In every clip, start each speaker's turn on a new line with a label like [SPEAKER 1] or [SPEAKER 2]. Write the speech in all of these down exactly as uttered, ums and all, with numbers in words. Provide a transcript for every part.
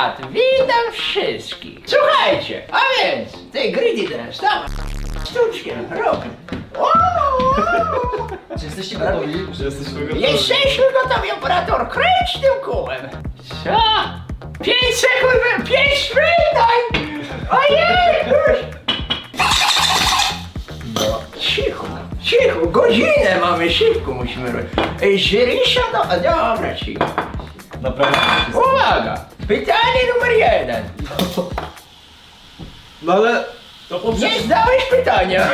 [SPEAKER 1] brat, witam wszystkich. Słuchajcie, a więc, ty Greedy teraz, dawaj, sztuczkę, rób. O!
[SPEAKER 2] Czy jesteście gotowi?
[SPEAKER 3] Że jesteśmy gotowi.
[SPEAKER 1] Jesteśmy gotowi, operator, kręć tym kółem. Co? Pięć sekund, pięć minut! Ojej!
[SPEAKER 3] No.
[SPEAKER 1] Cicho, cicho, godzinę mamy, szybko musimy robić. Ej, Żyrisza, no, a dobra, cicho.
[SPEAKER 3] Naprawdę.
[SPEAKER 1] Uwaga, pytanie numer jeden.
[SPEAKER 3] No ale...
[SPEAKER 2] To
[SPEAKER 1] Nie
[SPEAKER 2] poprzez...
[SPEAKER 1] zdałeś pytania.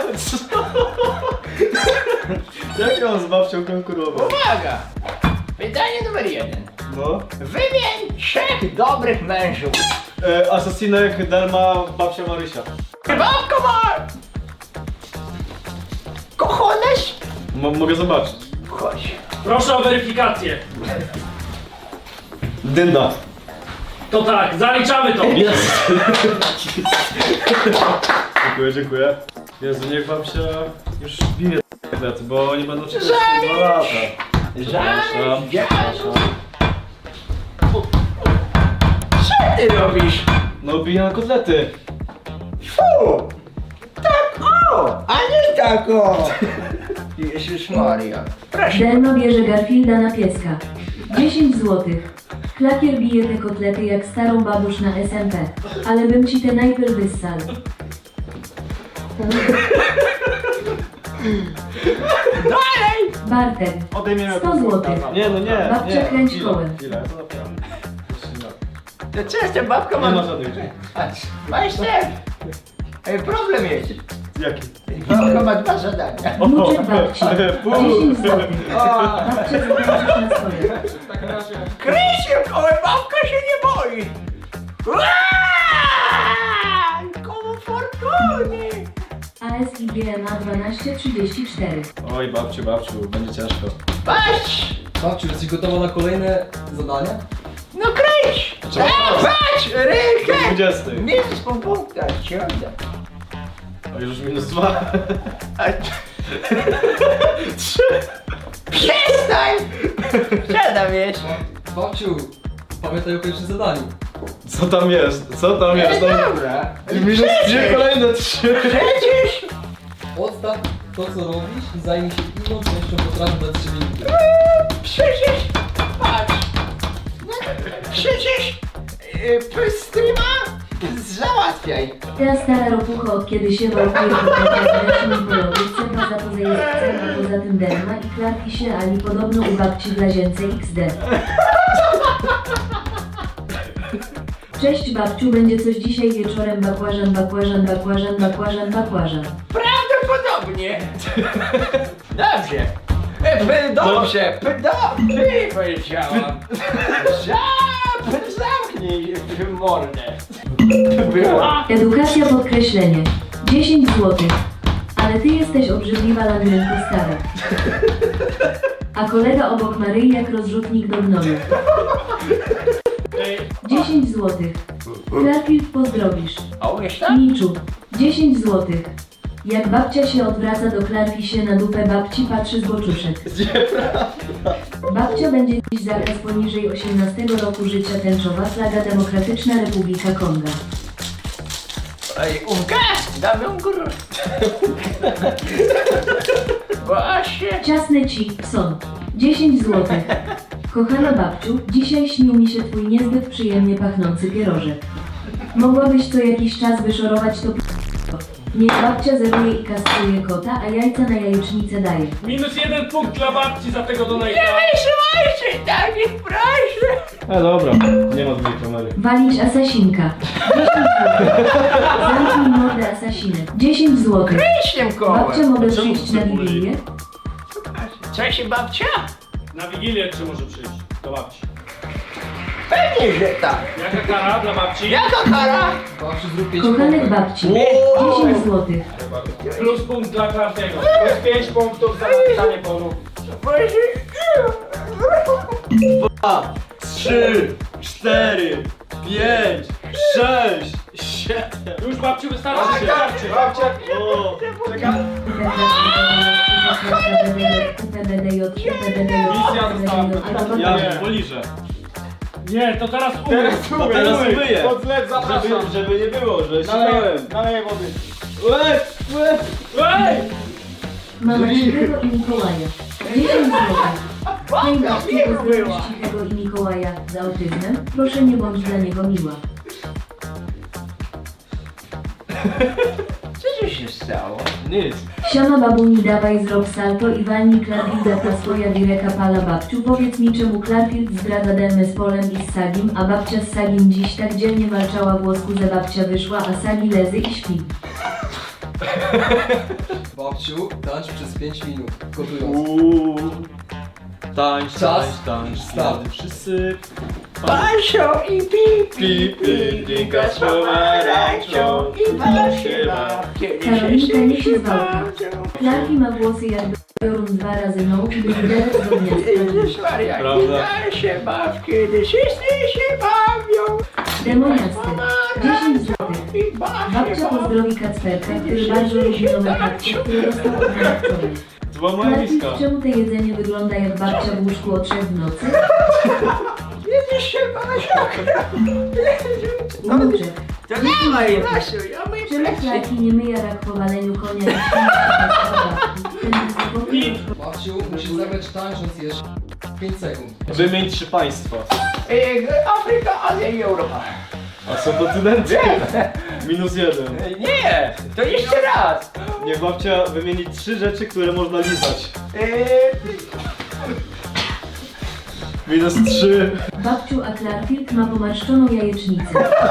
[SPEAKER 3] Jak ja mam z babcią konkurował?
[SPEAKER 1] Uwaga, pytanie numer jeden.
[SPEAKER 3] No.
[SPEAKER 1] Wymień trzech dobrych mężów.
[SPEAKER 3] E, Asasinek, Delma, babcia Marysia.
[SPEAKER 1] Babko ma... Kochones?
[SPEAKER 3] M mogę zobaczyć.
[SPEAKER 1] Chodź.
[SPEAKER 2] Proszę o weryfikację.
[SPEAKER 3] Dynda.
[SPEAKER 2] To tak, zaliczamy to.
[SPEAKER 3] Jest. Dziękuję, dziękuję. Jezu, niech babcia już bije kotlety, bo nie będą czekać dwa lata.
[SPEAKER 1] Żadnych dziadów. Co ty robisz?
[SPEAKER 3] No bije na kotlety.
[SPEAKER 1] Fu! Tak o! A nie tak o! Jezus Maria. Proszę.
[SPEAKER 4] Delma bierze Garfielda na pieska. dziesięć złotych. Klakier bije te kotlety jak starą babusz na S M P. Ale bym ci te najpierw wyssał.
[SPEAKER 1] Dalej!
[SPEAKER 4] Bartek.
[SPEAKER 3] Odejmiemy
[SPEAKER 4] sto złotych.
[SPEAKER 3] Nie, no nie,
[SPEAKER 4] Babcia
[SPEAKER 3] nie.
[SPEAKER 4] kręć
[SPEAKER 3] Chwilę,
[SPEAKER 4] kołem.
[SPEAKER 3] chwilę, to naprawdę. Jeszcze nie.
[SPEAKER 1] To co z tym babką
[SPEAKER 3] Nie ma
[SPEAKER 1] mam?
[SPEAKER 3] żadnych drzwi.
[SPEAKER 1] Patrz, majster! Ej, problem jest.
[SPEAKER 3] Jaki?
[SPEAKER 1] Babka ma dwa zadania.
[SPEAKER 4] Wnuczek babci.
[SPEAKER 3] Pół.
[SPEAKER 4] dziesięć złotych.
[SPEAKER 1] O!
[SPEAKER 4] Babcia zobaczysz na swoje.
[SPEAKER 1] Krysiu, koło babka się nie boi! Aaaa! Koło fortuny!
[SPEAKER 4] A S I G M A dwanaście trzydzieści cztery.
[SPEAKER 3] Oj, babciu, babciu, będzie ciężko.
[SPEAKER 1] Patrz!
[SPEAKER 5] Babciu, jesteś gotowa na kolejne zadania?
[SPEAKER 1] No kręć!
[SPEAKER 3] Trzeba
[SPEAKER 1] A,
[SPEAKER 3] patrzeć.
[SPEAKER 1] patrz! Rękę!
[SPEAKER 3] dwudziesty.
[SPEAKER 1] Minus po punktach, ci oddam.
[SPEAKER 3] Oj, już minus dwa.
[SPEAKER 1] A... Przestań! Co tam jest?
[SPEAKER 5] Babciu, pamiętaj o pierwszym zadaniu.
[SPEAKER 3] Co tam jest? Co tam
[SPEAKER 1] No
[SPEAKER 3] jest? Tam...
[SPEAKER 1] dobra.
[SPEAKER 3] Minus dwie, kolejne trzy.
[SPEAKER 1] Przecież...
[SPEAKER 5] Odstaw to, co robisz i zajmij się inną częścią potrafi dać trzy minuty.
[SPEAKER 1] Przecież... Patrz! No, przecież... Yy, streama załatwiaj.
[SPEAKER 4] Ta stara ropucha od kiedy się wałkuje po polowy, cepa za to jest cepa, poza tym Delma i klatki się Ali podobno u babci w Lazience X D. Cześć babciu, będzie coś dzisiaj wieczorem, bakłażan, bakłażan, bakłażan, bakłażan, bakłażan.
[SPEAKER 1] Prawdopodobnie. Dobrze. E, p- dobrze. P- Dobrze powiedziałam. Za- Zamknij mordę. Była.
[SPEAKER 4] Edukacja podkreślenie. dziesięć złotych. Ale ty jesteś obrzydliwa laminenko stara. A kolega obok Maryi jak rozrzutnik do gnoju. dziesięć złotych. Garfield pozdrowisz.
[SPEAKER 1] A umiesz tam?
[SPEAKER 4] Miczu. dziesięć złotych. Jak babcia się odwraca do Klarki się na dupę babci patrzy z boczuszek. Babcia będzie dziś zakaz poniżej osiemnastego roku życia tęczowa flaga Demokratyczna Republika Konga.
[SPEAKER 1] Ej, Umka! Damy umkur. Właśnie.
[SPEAKER 4] Ciasny ci, son. dziesięć złotych. Kochana babciu, dzisiaj śnił mi się twój niezbyt przyjemnie pachnący pierożek. Mogłabyś co jakiś czas wyszorować to p***o. Niech babcia zeruje i kastruje kota, a jajca na jajecznicę daje.
[SPEAKER 2] Minus jeden punkt dla babci za tego donata.
[SPEAKER 1] Nie wysyłajcie takich proszę.
[SPEAKER 3] E, dobra, nie ma drugiej kamery.
[SPEAKER 4] Walić asasinka. dziesięć złotych. Zamknij mordę asasinek. dziesięć złotych.
[SPEAKER 1] Kryć tym
[SPEAKER 4] Babcia,
[SPEAKER 1] kołem.
[SPEAKER 4] mogę
[SPEAKER 3] Czemu
[SPEAKER 4] przyjść na
[SPEAKER 3] cebuli?
[SPEAKER 4] Wigilię?
[SPEAKER 1] Co się babcia?
[SPEAKER 2] Na Wigilię czy może przyjść do babci?
[SPEAKER 1] Pewnie, że tak.
[SPEAKER 2] Jaka kara dla babci?
[SPEAKER 1] Jaka kara?
[SPEAKER 5] Babciu, zrób pięć
[SPEAKER 4] Kochanek
[SPEAKER 5] pompek.
[SPEAKER 4] babci. dziesięć złotych.
[SPEAKER 2] Plus punkt dla Klartiego. Plus pięć punktów za napisanie polu.
[SPEAKER 3] Dwa, trzy, cztery, pięć, sześć, siedem.
[SPEAKER 2] Już babciu wystarczy. Wystarczy.
[SPEAKER 3] Babcia, o, czekaj.
[SPEAKER 2] Misja została
[SPEAKER 3] Ja poliżę.
[SPEAKER 2] Nie, to teraz umyj.
[SPEAKER 3] Teraz
[SPEAKER 2] umyj,
[SPEAKER 3] teraz
[SPEAKER 2] umyj.
[SPEAKER 3] umyję.
[SPEAKER 2] Pod zlew zapraszam.
[SPEAKER 3] Żeby, żeby nie było, że
[SPEAKER 2] Naleję,
[SPEAKER 3] sikałem.
[SPEAKER 2] naleję wody.
[SPEAKER 3] Łeb, łeb.
[SPEAKER 2] Ej!
[SPEAKER 4] Mama Cichego i Mikołaja. dziesięć złotych. Hej babciu, pozdrowisz Cichego i Mikołaja z autyzmem? Proszę nie bądź dla niego miła.
[SPEAKER 1] Co tu się stało?
[SPEAKER 3] Nic.
[SPEAKER 4] Siema babuni, dawaj zrób salto i walnij Clarfielda ta swoja wireka pala babciu. Powiedz mi czemu Clarfield zdradza Delmę z Polem i z Sagim, a babcia z Sagim dziś tak dzielnie walczała włosku, że babcia wyszła, a Sagi lezy i śpi.
[SPEAKER 5] Babciu, tańcz przez pięć minut, gotując.
[SPEAKER 3] Uuu. Tańcz,
[SPEAKER 5] Czas.
[SPEAKER 3] tańcz, tańcz.
[SPEAKER 5] Start.
[SPEAKER 3] Wszyscy.
[SPEAKER 1] Pasio i pi,
[SPEAKER 3] Pi, pi, drinka z pomarańczą i basiewa.
[SPEAKER 4] Karolinka nie się zwalka. Clarki ma włosy jakby Jorun dwa razy no i wyderec do gniazda.
[SPEAKER 1] Jezus Maria,
[SPEAKER 3] Prawda.
[SPEAKER 1] kiedy się baw, kiedy wszyscy się bawią.
[SPEAKER 4] Demoniasty. dziesięć złotych.
[SPEAKER 1] I baw
[SPEAKER 4] Babcia
[SPEAKER 1] się bawią.
[SPEAKER 4] pozdrowi Kacperka, który bardzo lubi nowe kapcie, które dostał od nas wczoraj.
[SPEAKER 3] To była moja miska.
[SPEAKER 4] Clarki, czemu to jedzenie wygląda jak babcia w łóżku o trzech w nocy?
[SPEAKER 1] Jezus się Basiak.
[SPEAKER 4] Unuczek.
[SPEAKER 1] To nie ma Jasiu, ja myję
[SPEAKER 4] Czemu
[SPEAKER 1] plecy.
[SPEAKER 4] Clarki nie myje jak po waleniu konia i śmieje? Ten wysokopój.
[SPEAKER 5] Babciu, musisz zagrać tańcząc jeszcze pięć sekund.
[SPEAKER 3] Wymień trzy państwa.
[SPEAKER 1] E, Afryka, Azja i Europa.
[SPEAKER 3] A są kontynenty. Minus jeden.
[SPEAKER 1] E, Nie, to jeszcze raz.
[SPEAKER 3] Niech babcia wymieni trzy rzeczy, które można lizać.
[SPEAKER 1] E,
[SPEAKER 3] Minus trzy.
[SPEAKER 4] Babciu, a Clarfield ma pomarszczoną jajecznicę.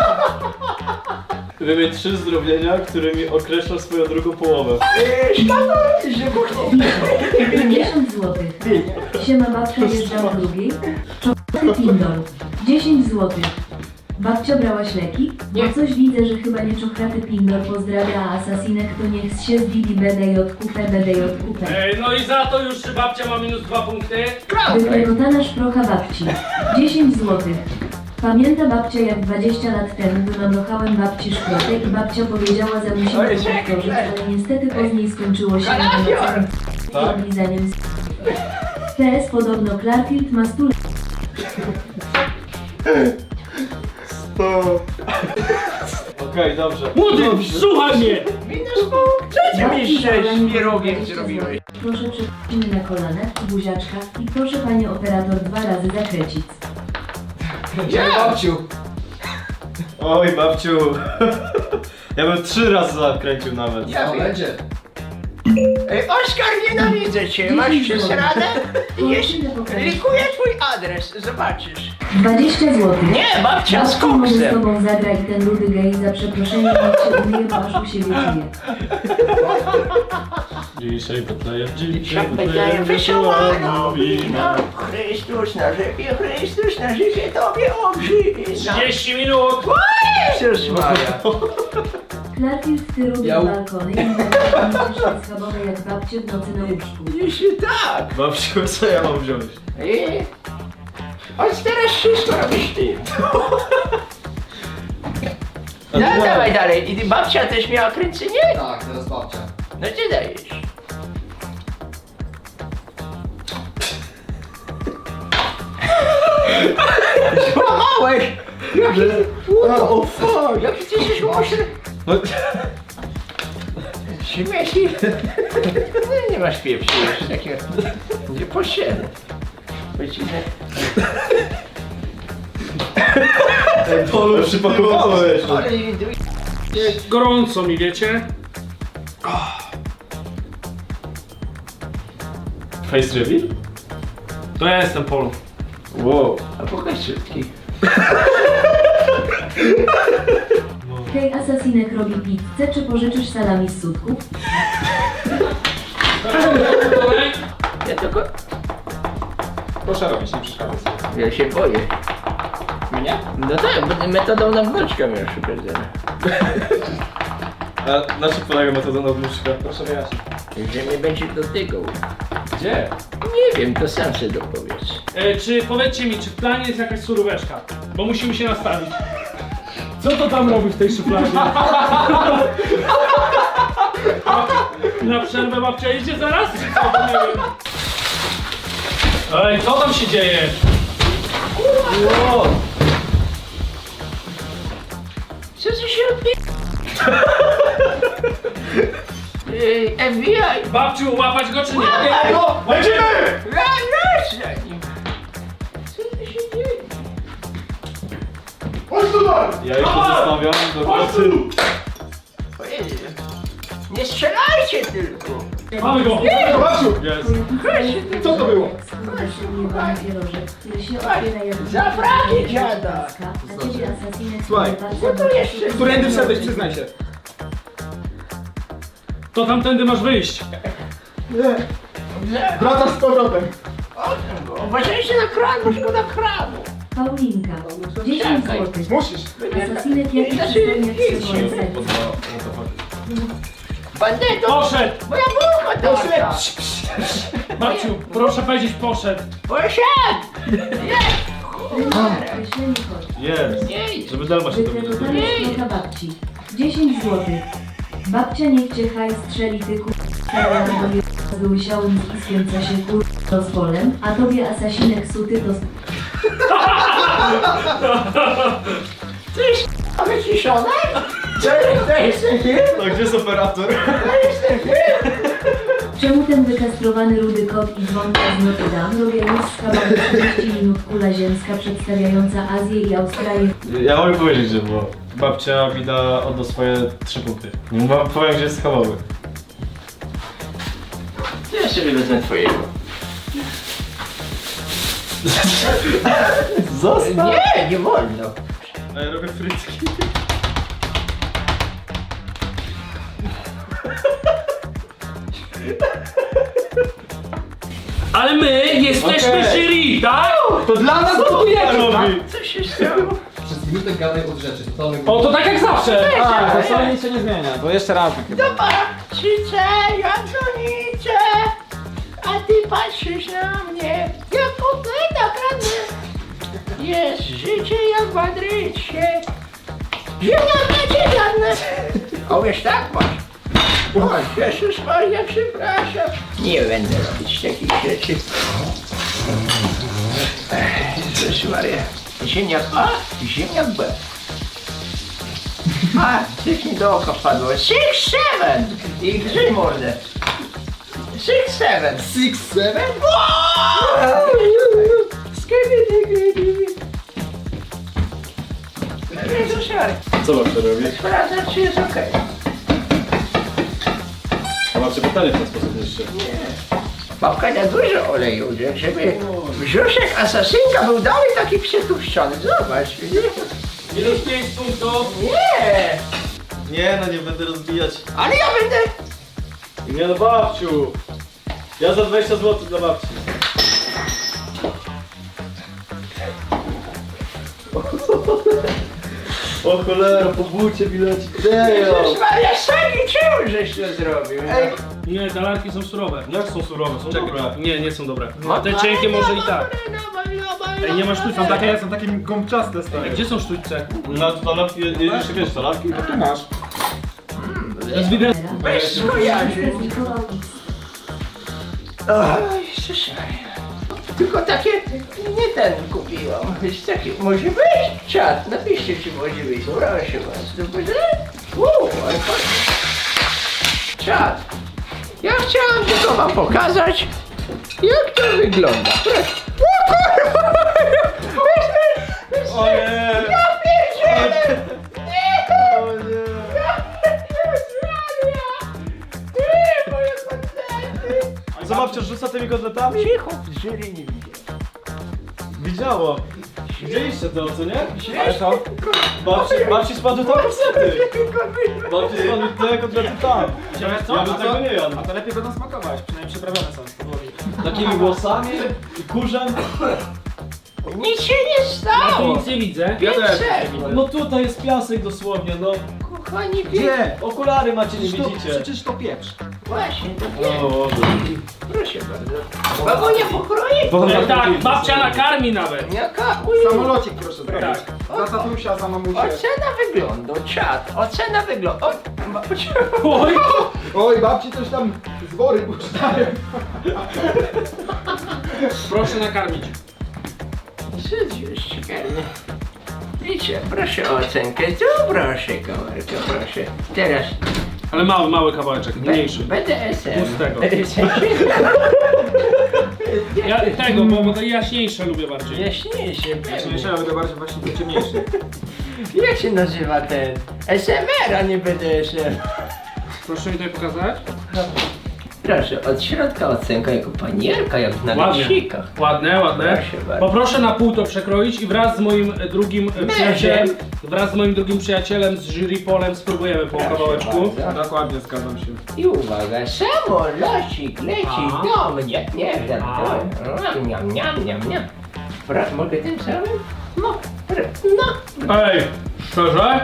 [SPEAKER 3] Wymień trzy zdrowienia, którymi określasz swoją drugą połowę.
[SPEAKER 1] e, Szpago, wybuchnie.
[SPEAKER 4] pięćdziesiąt złotych. Siema babcia jeżdża w drugiej. Czokolaty Pindol. dziesięć złotych. Babcia brałaś leki?
[SPEAKER 1] Nie.
[SPEAKER 4] Bo coś widzę, że chyba nie czokraty Pindol pozdrawia, a asasinek to niech się zbibi B D J Q P, B D J Q P.
[SPEAKER 2] Ej, no i za to już babcia ma minus dwa punkty.
[SPEAKER 4] Wyklekotana szprocha babci. dziesięć złotych. Pamięta babcia jak dwadzieścia lat temu wymamrochałem babci szprotę i babcia powiedziała, że musimy
[SPEAKER 1] Oj,
[SPEAKER 4] to
[SPEAKER 1] czekaj,
[SPEAKER 4] powtórzyć,
[SPEAKER 1] czekaj.
[SPEAKER 4] ale niestety później skończyło się
[SPEAKER 1] Kalafior!
[SPEAKER 4] i oblizaniem z... P S podobno Clarfield ma stu lat.
[SPEAKER 3] Sto. Okej, dobrze.
[SPEAKER 2] Młody, słuchaj mnie!
[SPEAKER 1] Minus punkt. Co ty mi z pierogiem zrobiłeś?
[SPEAKER 4] Proszę przeprosimy na kolana, buziaczka i proszę panie operator dwa razy zakręcić.
[SPEAKER 5] Ja. Babciu,
[SPEAKER 3] Oj, babciu. Ja bym trzy razy zakręcił nawet.
[SPEAKER 1] Ja
[SPEAKER 5] to
[SPEAKER 1] wiem.
[SPEAKER 5] będzie.
[SPEAKER 1] Ej, Oskar, nienawidzę cię. Masz przesradę? Jeszcze likuję twój adres, zobaczysz.
[SPEAKER 4] dwadzieścia złotych.
[SPEAKER 1] Nie, babcia z
[SPEAKER 4] Babciu może z
[SPEAKER 1] koksem.
[SPEAKER 4] tobą zagra i ten rudy gej za przeproszeniem niech się umyje, bo aż u siebie czuje.
[SPEAKER 3] Dzisiaj Betlejem, dzisiaj
[SPEAKER 1] Dzisiaj
[SPEAKER 3] Betlejem,
[SPEAKER 1] Betlejem wesoła
[SPEAKER 3] wesoła
[SPEAKER 1] nowina. Chrystus na rzepie, Chrystus na życie tobie obżyna.
[SPEAKER 2] trzydzieści minut!
[SPEAKER 1] Jezus Maria.
[SPEAKER 4] Clarfield, ty rudy
[SPEAKER 5] Ja u-
[SPEAKER 4] balkony i będziesz schabowe jak babcie w nocy na łóżku.
[SPEAKER 1] Jeśli tak.
[SPEAKER 3] Babciu, co ja mam wziąć?
[SPEAKER 1] Ej, chodź teraz wszystko robisz ty.
[SPEAKER 3] A
[SPEAKER 1] No
[SPEAKER 3] ty-
[SPEAKER 1] dawaj dalej. I ty babcia też miała kręcenie?
[SPEAKER 5] Tak, teraz babcia.
[SPEAKER 1] No gdzie dajesz? Złamałeś! Jaki...
[SPEAKER 3] O, fuck!
[SPEAKER 1] Jaki ty jesteś mocny?
[SPEAKER 3] No,
[SPEAKER 1] Śmieci. Nie masz pieprzy już takiego. Nie poszedł. Wycinę.
[SPEAKER 3] Ej, Polu, przypakowałeś.
[SPEAKER 1] Ale nie duj.
[SPEAKER 2] Gorąco mi, wiecie?
[SPEAKER 3] Face reveal?
[SPEAKER 2] To ja jestem Polu.
[SPEAKER 3] Wow.
[SPEAKER 1] A pokaż szybki.
[SPEAKER 4] Hej, asasinek robi pizzę, czy pożyczysz salami z sutków?
[SPEAKER 1] Ja tylko...
[SPEAKER 3] Proszę robić, nie przeszkadzaj.
[SPEAKER 1] Ja się boję.
[SPEAKER 3] Mnie?
[SPEAKER 1] No tak, bo metodą na wnuczka miał szukać zaraz.
[SPEAKER 3] A na czym polega metoda nadmuszka? Proszę wyjaśnić.
[SPEAKER 1] Że mnie będzie dotykał.
[SPEAKER 3] Gdzie?
[SPEAKER 1] Nie wiem, to sam sobie dopowiedz.
[SPEAKER 2] E, czy powiedzcie mi, czy w planie jest jakaś suróweczka? Bo musimy się nastawić. Co to tam robi w tej szufladzie? Na przerwę babcia idzie zaraz? Czy co? To nie wiem. Ej, co tam się dzieje?
[SPEAKER 3] Wow.
[SPEAKER 1] Ej, F B I!
[SPEAKER 2] Babciu, łapać go czy nie?
[SPEAKER 1] No,
[SPEAKER 3] Lecimy!
[SPEAKER 1] ja już za nim. Co tu się dzieje?
[SPEAKER 3] Chodź tutaj! Ja ich tu zostawiam do pracy.
[SPEAKER 1] Ojej. Nie strzelajcie tylko!
[SPEAKER 2] Mamy go!
[SPEAKER 3] Babciu! Jest.
[SPEAKER 4] Co to było? Pierożek, który się otwiera jak
[SPEAKER 1] Za fragi dziada!
[SPEAKER 4] a ciebie asasinek
[SPEAKER 6] Słuchaj,
[SPEAKER 1] No to jeszcze...
[SPEAKER 6] Którędy wszedłeś, przyznaj się.
[SPEAKER 2] To tamtędy masz wyjść.
[SPEAKER 6] Nie, wracasz z powrotem.
[SPEAKER 1] Oddam go. Uważajcie na kran, bo szkoda kranu.
[SPEAKER 4] Paulinka, dziesięć
[SPEAKER 1] Czekaj.
[SPEAKER 4] złotych.
[SPEAKER 6] Musisz.
[SPEAKER 4] Asasinek jaki przystojniak swojego serca.
[SPEAKER 1] Bandyto!
[SPEAKER 2] Poszedł!
[SPEAKER 1] Moja bucha to!
[SPEAKER 2] Babciu, proszę powiedzieć poszedł.
[SPEAKER 1] Poszedł! Jest!
[SPEAKER 4] Określenie kod.
[SPEAKER 3] Jest.
[SPEAKER 1] Nie,
[SPEAKER 3] Żeby Delma się
[SPEAKER 4] Wykreowanie
[SPEAKER 3] dowiedział.
[SPEAKER 4] knota babci. dziesięć złotych. Babcia niech cię hajs strzeli ty kur... z łysiałym ziskiem, co się kur... rozwolem, a tobie asasinek suty to...
[SPEAKER 1] Tyś wyciszone? To jest, to jest ten film?
[SPEAKER 3] To gdzie jest operator?
[SPEAKER 1] To jest ten film?
[SPEAKER 4] Czemu ten wykastrowany rudy kot i dzwonka z Notre Dame robią już z kawałek trzydzieści minut kula ziemska przedstawiająca Azję i Australię?
[SPEAKER 3] Ja mogę powiedzieć, że było. Babcia mi da odda swoje trzy punkty. Nie mam powiem, gdzie jest schabowy.
[SPEAKER 1] Ja sobie wezmę twojego.
[SPEAKER 3] Zostaw!
[SPEAKER 1] Nie, nie wolno.
[SPEAKER 3] A ja robię frytki.
[SPEAKER 2] Ale my jesteśmy
[SPEAKER 6] Okej.
[SPEAKER 2] jury, tak?
[SPEAKER 6] To dla nas gotujecie,
[SPEAKER 3] robi?
[SPEAKER 1] Co się stało?
[SPEAKER 5] Przez minutę gadaj od rzeczy, totalny
[SPEAKER 2] O, to tak jak zawsze.
[SPEAKER 6] A, to wcale nic się nie zmienia, bo jeszcze raz chyba.
[SPEAKER 1] Zobaczycie, ja dzwonicie, a ty patrzysz na mnie, jak kotleta kradnę. Jest życie jak w Madrycie. Ziemniaki żadne. O, wiesz, tak masz. O, Jezus Maria, przepraszam. Nie będę robić takich rzeczy. Ech, Jezus Maria. Ziemniak A, ziemniak B. A, coś mi do oka wpadło. Six, seven! I grzyj mordę. Six, seven.
[SPEAKER 6] Six, seven?
[SPEAKER 1] Skibidi. Jezus Maria.
[SPEAKER 3] Co babcia robi?
[SPEAKER 1] Sprawdzam, czy jest okej.
[SPEAKER 3] A babcia pytanie w ten sposób jeszcze.
[SPEAKER 1] Babka na dużo oleju, że- żeby brzuszek asasynka był dalej taki przetłuszczony. Zobacz.
[SPEAKER 2] Minus pięć punktów.
[SPEAKER 1] Nie!
[SPEAKER 3] Nie no, nie będę rozbijać.
[SPEAKER 1] Ale ja będę...
[SPEAKER 3] Nie no babciu! Ja za dwadzieścia złotych dla babci. O cholera, po bucie bileci.
[SPEAKER 1] Jezus Maria, Sagi, czemu żeś to zrobił?
[SPEAKER 6] Ej,
[SPEAKER 2] Nie, talarki są surowe.
[SPEAKER 3] Jak są surowe? Są dobre.
[SPEAKER 2] Nie, nie są dobre. A te cienkie może i tak. Ej, nie masz sztućce.
[SPEAKER 6] są takie, są takie gąbczaste stare.
[SPEAKER 2] Gdzie są sztućce?
[SPEAKER 3] Na talarki, jeszcze wiesz talarki?
[SPEAKER 6] No tu masz.
[SPEAKER 2] To jest widać.
[SPEAKER 1] Bez skojarzy.
[SPEAKER 4] Zlikował X.
[SPEAKER 1] Oj, Jezus Maria. Tylko takie, nie ten kupiłam. Jest taki, może być czat, napiszcie czy może być, proszę was. To będzie? Uuu, ale fajnie. Czat. Ja chciałam tylko wam pokazać, jak to wygląda. Proszę. O kurwa!
[SPEAKER 3] O nie!
[SPEAKER 1] Ja pierdzielę! Nie!
[SPEAKER 3] O nie!
[SPEAKER 1] Ja pierdzielę! Ty, moje kotlety!
[SPEAKER 3] A co babcia rzuca tymi kotletami?
[SPEAKER 1] Cicho, w jury nie widział.
[SPEAKER 3] Widziało. Widzieliście to, co nie?
[SPEAKER 1] Ale
[SPEAKER 3] co? Babci, babci spadły tam kotlety. Babci spadły te kotlety tam.
[SPEAKER 6] Widziałeś
[SPEAKER 3] Ja bym tego nie jadł.
[SPEAKER 6] A to lepiej będą smakować, przynajmniej przyprawione są z podłogi.
[SPEAKER 3] Takimi włosami i kurzem.
[SPEAKER 1] Nic się nie
[SPEAKER 2] Ja tu
[SPEAKER 1] stało!
[SPEAKER 2] nic nie widzę.
[SPEAKER 6] Ja też.
[SPEAKER 3] No tutaj jest piasek dosłownie, no.
[SPEAKER 1] Kochani, wie...
[SPEAKER 6] Gdzie?
[SPEAKER 3] Okulary macie, nie
[SPEAKER 6] Przecież to,
[SPEAKER 3] widzicie.
[SPEAKER 6] przecież to pieprz.
[SPEAKER 1] Właśnie, to
[SPEAKER 3] O
[SPEAKER 1] wie.
[SPEAKER 3] Boże.
[SPEAKER 1] Proszę bardzo. Babunia pokroje?
[SPEAKER 2] E, tak, babcia nakarmi nawet.
[SPEAKER 1] Jaka
[SPEAKER 6] Samolocik proszę zrobić.
[SPEAKER 2] Tak.
[SPEAKER 6] Za tatusia, za mamusię.
[SPEAKER 1] Ocena wyglądu, czat, ocena wyglądu. O, babcia.
[SPEAKER 2] Oj,
[SPEAKER 6] Oj, babci coś tam z wory puszczają.
[SPEAKER 2] proszę nakarmić.
[SPEAKER 1] Żyć już ciekawy. I co, proszę o ocenkę, tu proszę, komórko, proszę. Teraz
[SPEAKER 2] Ale mały, mały kawałeczek, mniejszy.
[SPEAKER 1] B D S M.
[SPEAKER 2] Pustego.
[SPEAKER 1] W sensie,
[SPEAKER 2] Ja tego, bo, bo to jaśniejsze lubię bardziej.
[SPEAKER 1] jaśniejszy,
[SPEAKER 6] Jaśniejszy, ale to bardziej właśnie ciemniejszy.
[SPEAKER 1] Jak się nazywa ten? S M R, a nie B D S M.
[SPEAKER 2] Proszę mi tutaj pokazać.
[SPEAKER 1] Proszę, od środka ocenka jako panierka, jak na
[SPEAKER 2] Ładnie.
[SPEAKER 1] leśnikach.
[SPEAKER 2] Ładne, ładne.
[SPEAKER 1] Proszę bardzo.
[SPEAKER 2] Poproszę na pół to przekroić i wraz z moim e, drugim e, przyjacielem, wraz z moim drugim przyjacielem z jury Polem spróbujemy po kawałeczku.
[SPEAKER 1] bardzo.
[SPEAKER 6] Dokładnie, zgadzam się.
[SPEAKER 1] I uwaga, samolocik leci
[SPEAKER 2] A.
[SPEAKER 1] do mnie. Nie, żartuję. Niam, niam, niam, niam, niam. Pra, mogę tym samym? No, pra, no.
[SPEAKER 2] Ej, szczerze?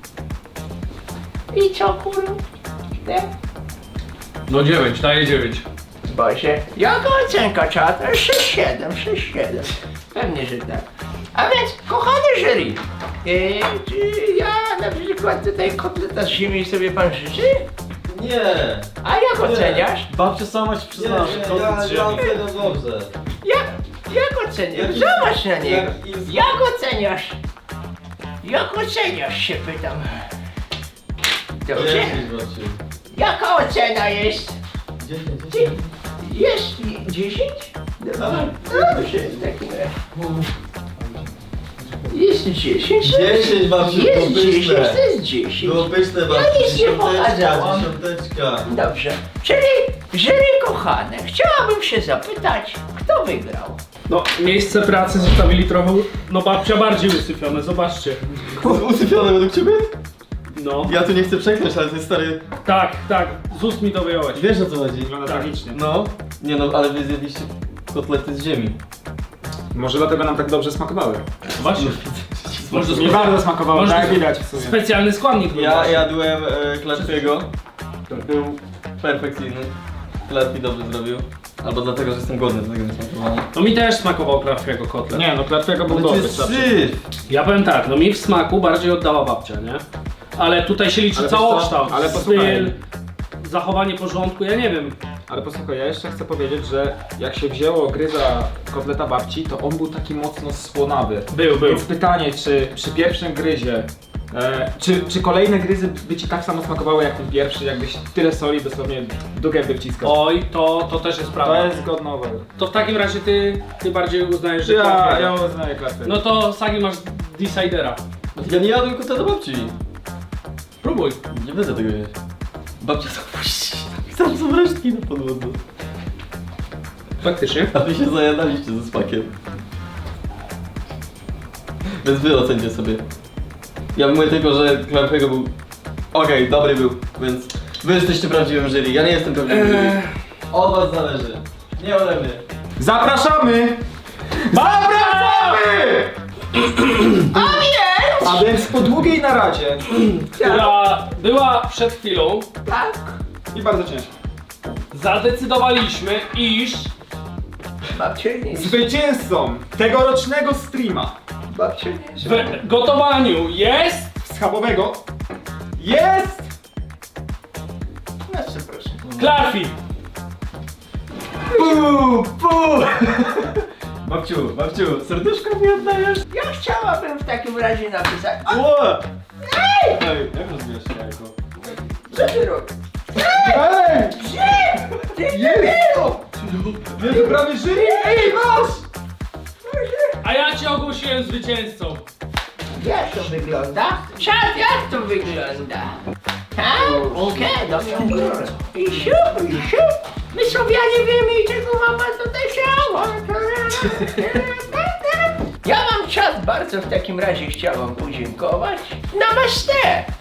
[SPEAKER 1] I co kurwa? Nie?
[SPEAKER 2] No dziewięć, daję dziewięć.
[SPEAKER 1] Boże, jaka ocenka czata? sześć siedem, sześć siedem. Pewnie, że tak. A więc, kochany jury, e, czy ja na przykład tutaj kotleta z ziemi sobie pan życzy?
[SPEAKER 5] Nie!
[SPEAKER 1] A jak oceniasz?
[SPEAKER 3] Babcia sama się przyznała, że to
[SPEAKER 5] ja,
[SPEAKER 3] z
[SPEAKER 5] ja
[SPEAKER 3] ziemi.
[SPEAKER 5] oceniam dobrze.
[SPEAKER 1] Jak, jak oceniasz?
[SPEAKER 5] Jak-
[SPEAKER 1] Zobacz na niego.
[SPEAKER 5] jak im-
[SPEAKER 1] Jak oceniasz? Jak oceniasz się pytam. Dobrze?
[SPEAKER 5] dziesięć właśnie.
[SPEAKER 1] Jaka ocena jest?
[SPEAKER 5] dziesięć,
[SPEAKER 1] Dzie-
[SPEAKER 5] dziesięć.
[SPEAKER 1] Jest i- dziesięć? Dobrze, w takim razie. Jest dziesięć.
[SPEAKER 5] dziesięć, babciu,
[SPEAKER 1] Jest
[SPEAKER 5] było
[SPEAKER 1] dziesięć,
[SPEAKER 5] pyszne.
[SPEAKER 1] to jest dziesięć.
[SPEAKER 5] Było pyszne,
[SPEAKER 1] Ja
[SPEAKER 5] babciu.
[SPEAKER 1] nic nie
[SPEAKER 5] Dziesiąteczka,
[SPEAKER 1] pokazałam.
[SPEAKER 5] dziesiąteczka.
[SPEAKER 1] Dobrze, czyli jury kochane, chciałabym się zapytać, kto wygrał?
[SPEAKER 2] No, miejsce pracy zostawili trochę, no babcia bardziej usypione, zobaczcie.
[SPEAKER 5] Usypione według ciebie?
[SPEAKER 2] No,
[SPEAKER 5] Ja tu nie chcę przekląć, ale to jest stary...
[SPEAKER 2] tak, tak, z ust mi to wyjąłeś.
[SPEAKER 5] Wiesz o co chodzi?
[SPEAKER 6] Wygląda tragicznie.
[SPEAKER 5] No. Nie no, ale wy zjedliście kotlety z ziemi.
[SPEAKER 6] Może dlatego nam tak dobrze smakowały.
[SPEAKER 2] Właśnie. Może
[SPEAKER 6] Mi bardzo smakowało,
[SPEAKER 2] Może
[SPEAKER 6] tak
[SPEAKER 2] to-
[SPEAKER 6] widać w sumie.
[SPEAKER 2] Specjalny składnik był
[SPEAKER 5] Ja
[SPEAKER 2] właśnie.
[SPEAKER 5] jadłem e, Klarfiego. Był perfekcyjny. Klarfi dobrze zrobił. Albo dlatego, że jestem głodny, dlatego nie smakowało.
[SPEAKER 2] No mi też smakował Klarfiego kotlet.
[SPEAKER 6] Nie no, klatwego był
[SPEAKER 5] Ale to
[SPEAKER 6] dobry.
[SPEAKER 5] jest
[SPEAKER 6] zawsze.
[SPEAKER 5] syf!
[SPEAKER 2] Ja powiem tak, no mi w smaku bardziej oddała babcia, nie? Ale tutaj się liczy
[SPEAKER 6] Ale wiesz
[SPEAKER 2] całokształt,
[SPEAKER 6] co? Ale posłuchaj.
[SPEAKER 2] styl, zachowanie porządku, ja nie wiem.
[SPEAKER 6] Ale posłuchaj, ja jeszcze chcę powiedzieć, że jak się wzięło gryza kotleta babci, to on był taki mocno słonawy.
[SPEAKER 2] Był, był.
[SPEAKER 6] Więc pytanie, czy przy pierwszym gryzie, e, czy, czy kolejne gryzy by ci tak samo smakowały jak ten pierwszy, jakbyś tyle soli dosłownie do gęby wciskał?
[SPEAKER 2] Oj, to, to też jest prawda.
[SPEAKER 6] To jest godnowe.
[SPEAKER 2] To w takim razie ty, ty bardziej uznajesz, że
[SPEAKER 6] Ja,
[SPEAKER 2] Klarfiego.
[SPEAKER 6] ja uznaję klatwę.
[SPEAKER 2] No to Sagi masz decidera.
[SPEAKER 5] Ja nie jadłem kotleta babci.
[SPEAKER 2] Próbuj.
[SPEAKER 5] Nie będę tego jeść. Babcia zapuści. Tam są resztki na podłodze.
[SPEAKER 2] Faktycznie.
[SPEAKER 5] A wy się zajadaliście ze smakiem. Więc wy ocencie sobie. Ja mówię tylko, że Klarfiego był... Okej, dobry był, więc wy jesteście prawdziwym jury. Ja nie jestem prawdziwym jury. Od was zależy. Nie ode mnie.
[SPEAKER 6] Zapraszamy! Zapraszamy! A więc po długiej naradzie
[SPEAKER 2] Która była przed chwilą,
[SPEAKER 1] Tak?
[SPEAKER 6] i bardzo ciężko.
[SPEAKER 2] zadecydowaliśmy, iż
[SPEAKER 1] Babcia nie jest.
[SPEAKER 6] Zwycięzcą tegorocznego streama
[SPEAKER 1] Babcia nie jest.
[SPEAKER 2] w gotowaniu jest...
[SPEAKER 6] schabowego jest
[SPEAKER 1] No co proszę.
[SPEAKER 2] Klarfi.
[SPEAKER 6] Pu, pu.
[SPEAKER 5] Babciu, babciu, serduszko mi oddajesz?
[SPEAKER 1] Ja chciałabym w takim razie napisać. A,
[SPEAKER 5] Ło!
[SPEAKER 1] ej!
[SPEAKER 5] Ej, jak rozbijasz się jajko?
[SPEAKER 1] Co ty robisz?
[SPEAKER 6] Ej!
[SPEAKER 1] Ty debilu!
[SPEAKER 6] Jest prawie jury! Ej, masz!
[SPEAKER 2] A ja cię ogłosiłem zwycięzcą.
[SPEAKER 1] Jak to wygląda? Czad, jak to wygląda? Ha? Okej, do mnie górę. I siup, i siup. My Słowianie wiemy i czego mama tutaj chciała. Ja wam czas bardzo w takim razie chciałam podziękować. Namaste!